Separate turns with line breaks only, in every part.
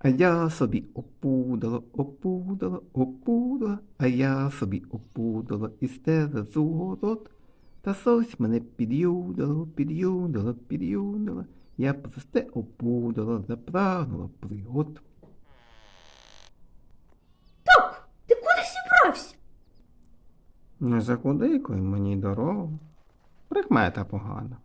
А я собі опудала, опудала, опудала, а я собі опудала і стеза город. Та сось мене під'юдала, під'юдала, під'юдала. Я просте опудала, запрагнула пригод.
Так, ти куди зібрався?
Не закудикуй мені дорогу. Прикмета погана.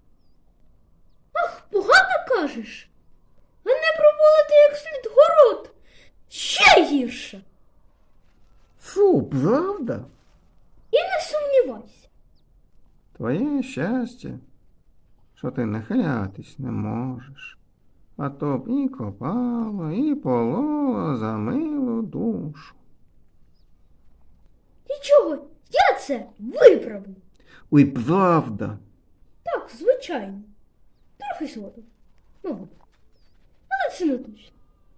Погано кажеш? А не пробулити як слід город. Ще гірше.
Фу, правда?
І не сумнівайся.
Твоє щастя, що ти нахилятись не можеш. А то б і копала, і полола за милу душу.
Нічого, я це виправлю.
Ой, правда.
Так, звичайно. Трохи згодом. Мабуть. Але це не точно.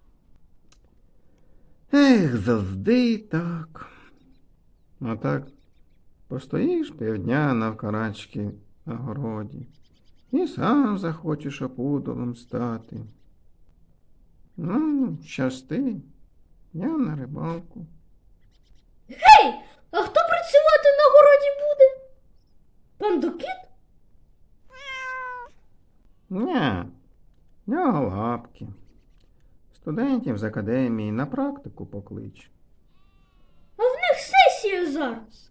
Ех, завжди так. А так постоїш півдня навкарачки на городі і сам захочеш опудолом стати. Ну, щасти, я на рибалку.
Гей, а хто працювати на городі буде? Пан Докіт?
Ня, в нього лапки. Студентів з академії на практику поклич.
А в них сесія зараз.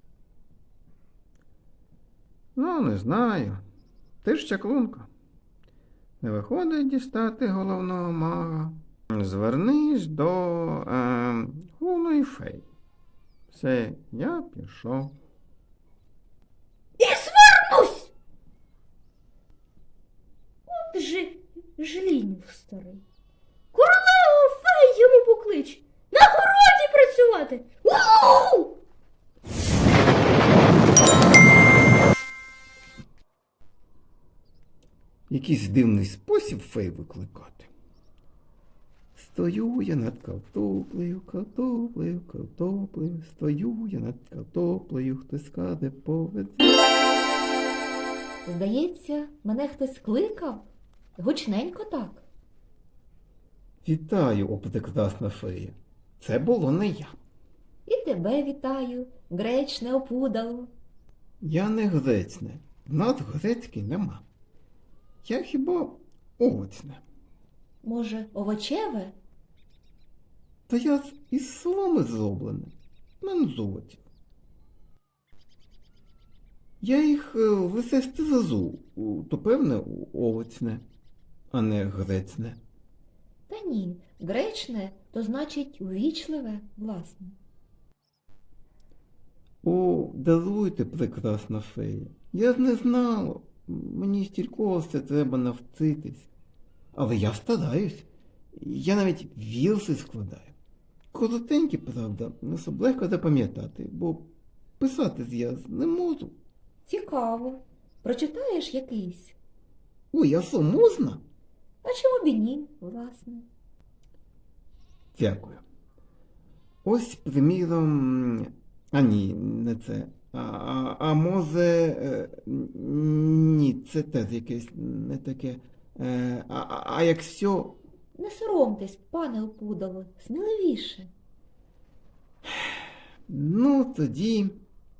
Ну, не знаю. Ти ж чаклунка. Не виходить дістати головного мага. Звернись до Гуної фей. Все, я пішов.
І звернусь! От же жлінь старий. Королеву фей йому поклич. На городі працювати. У-у-у!
Якийсь дивний спосіб фей викликати. Стою я над картоплею, картоплею, картоплею, стою я над картоплею, хтось каже повезе.
Здається, мене хтось кликав. Гучненько так.
Вітаю, о прекрасна фея. Це було не я.
І тебе вітаю, гречне опудало.
Я не грецьне. В нас грецький нема. Я хіба овочне.
Може, овочеве?
Та я із соломи зроблене. Мен золоті. Я їх висести зазу, то певне овочне, а не грецьне.
Та ні, гречне то значить увічливе, власне.
О, даруйте, прекрасна фея. Я ж не знала. Мені стілького все треба навчитись. Але я стараюсь. Я навіть вірси складаю. Коротенькі, правда, не особливо запам'ятати, бо писати я не можу.
Цікаво. Прочитаєш якийсь?
Ой, а що, можна?
А чому б і ні, власне?
Дякую. Ось, приміром, а ні, не це. А може, ні, це теж якесь не таке. А якщо...
Не соромтесь, пане опудало, сміливіше.
Ну, тоді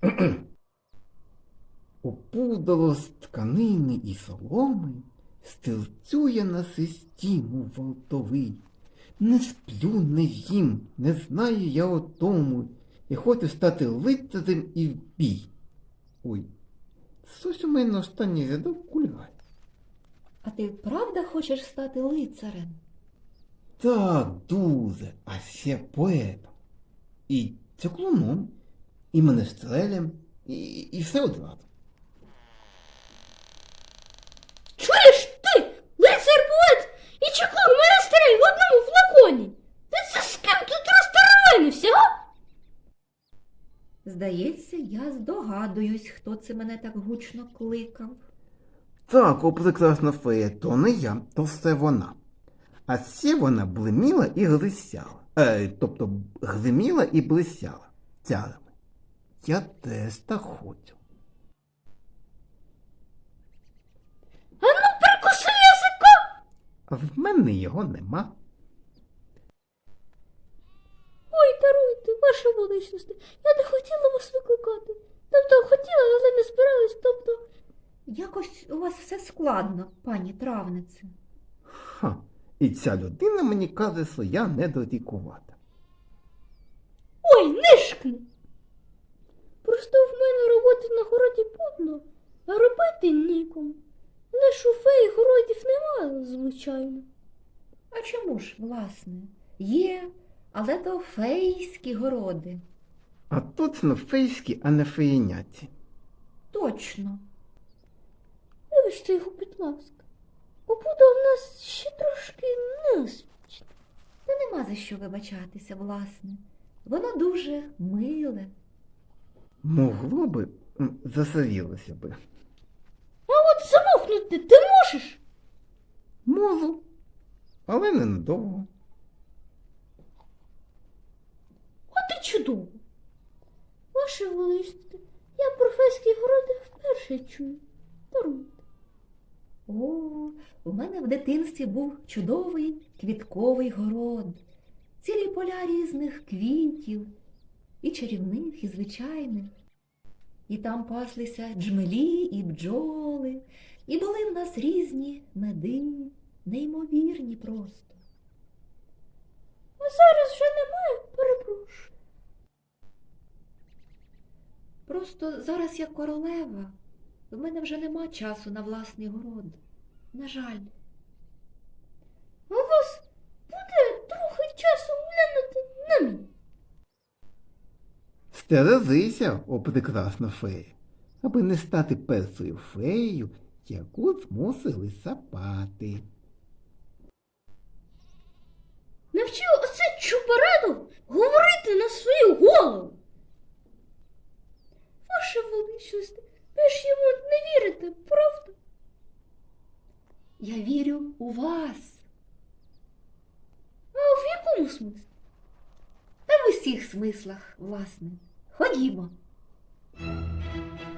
опудало з тканини і соломи, стерцює на систіму вартовий. Не сплю, не їм, не знаю я о тому, і хочу стати лицарем і в бій. Ой, щось у мене останній рядок кульгає.
А ти правда хочеш стати лицарем?
Так, дуже, а ще поетом. І циклоном, і менестрелем, і все одразу.
Чуєш ти, лицар-поет і чаклун монастирей в одному флаконі? Ти це з ким тут розтеревенився, а?
Здається, я здогадуюсь, хто це мене так гучно кликав.
Так, о прекрасна фея, то не я, то все вона. А ще вона блиміла і глисяла. Тобто гриміла і блисяла тярами. Я теж так хочу.
А ну прикуси язика!
А в мене його нема.
Ой, даруйте, ваша величність, я не хотіла вас викликати. Тобто хотіла, але не збиралась, тобто.
Якось у вас все складно, пані травнице.
Ха, і ця людина мені каже, що я недолікувата.
Ой, нишкни! Просто в мене роботи на городі повно, а робити нікому. Лиш у феї городів немає, звичайно.
А чому ж, власне? Є, але то фейські городи.
А точно фейські, а не феєняці.
Точно.
Вибачте його, будь ласка. Побуда в нас ще трошки незвична.
Та нема за що вибачатися, власне. Воно дуже миле.
Могло би, засавілося би.
А от замовкнути ти можеш?
Можу, але ненадовго.
От і чудово. Ваше величність, я про фейські городи вперше чую. Даруйте.
О, у мене в дитинстві був чудовий квітковий город. Цілі поля різних квітів, і чарівних, і звичайних. І там паслися джмелі і бджоли, і були в нас різні меди, неймовірні просто.
А зараз вже немає, перепрошую.
Просто зараз я королева, в мене вже нема часу на власний город. На жаль.
А у вас буде трохи часу глянути на мій.
Стережися, о прекрасна фея, аби не стати першою феєю, яку змусили сапати.
Навчив оце чубараду говорити на свою голову. Ваша величність, ви ж йому не вірите, правда?
Я вірю у вас.
А в якому смислі?
Та в усіх смислах, власне. Ходімо.